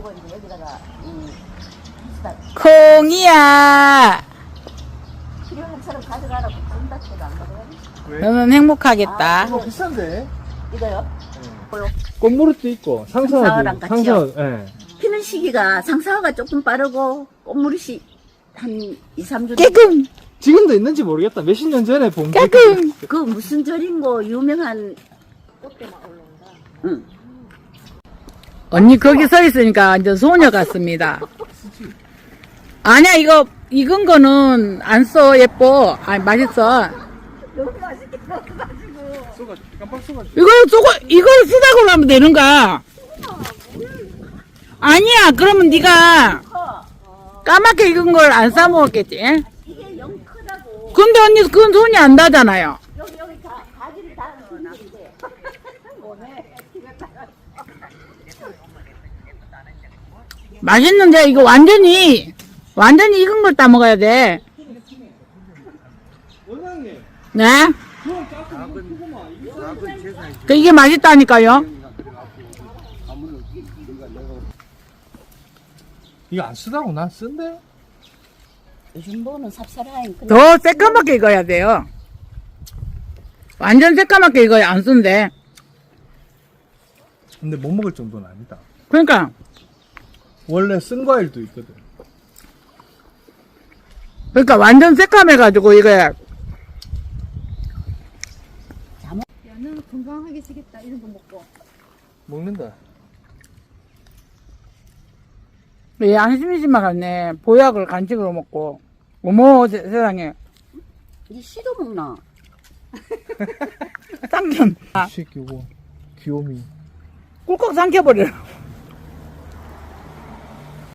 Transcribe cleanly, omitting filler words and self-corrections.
하고 이제 여기다가 콩이야. 필요한 사람 가져가라고 준다 해도 안 가져가니? 왜? 너는 행복하겠다. 이거 비싼데? 이거요? 꽃무릇도 있고 상사화랑 상사화도 같이요? 예. 피는 시기가 상사화가 조금 빠르고 꽃무릇이 한 2, 3주 깨끔, 지금도 있는지 모르겠다. 몇십 년 전에 본 게. 깨끔. 그 무슨 절인고 유명한 꽃대만 올라온다. 응. 언니 거기 서 있으니까 완전 소녀 같습니다. 아니야, 이거 익은 거는 안 써. 예뻐. 아니, 맛있어. 너무 맛있게 먹어가지고. 깜빡 쏘가지고. 이걸 쓰다고 하면 되는가? 아니야, 그러면 네가 까맣게 익은 걸 안 싸 먹었겠지? 이게 영 크다고. 근데 언니 그건 손이 안 닿잖아요. 여기 가지를 다 넣는데. 뭐네? 맛있는데 이거 완전히 익은 걸 따 먹어야 돼. 원장님. 네? 그건 작은 크구만. 그 이게 맛있다니까요. 이거 안 쓰다고 난 쓴데? 요즘 뭐는 삽살하인 근데 더 새까맣게 익어야 돼요. 완전 새까맣게 익어야 안 쓴대. 근데 못 먹을 정도는 아니다. 그러니까 원래 쓴 과일도 있거든. 완전 새까매가지고 이거 야는 건강하게 지겠다 이런 거 먹고. 먹는다. 얘 안심이지만 갔네. 보약을 간식으로 먹고. 어머 세상에 이 씨도 먹나? 쌍전 이 새끼고 귀요미. 꿀꺽 삼켜버려.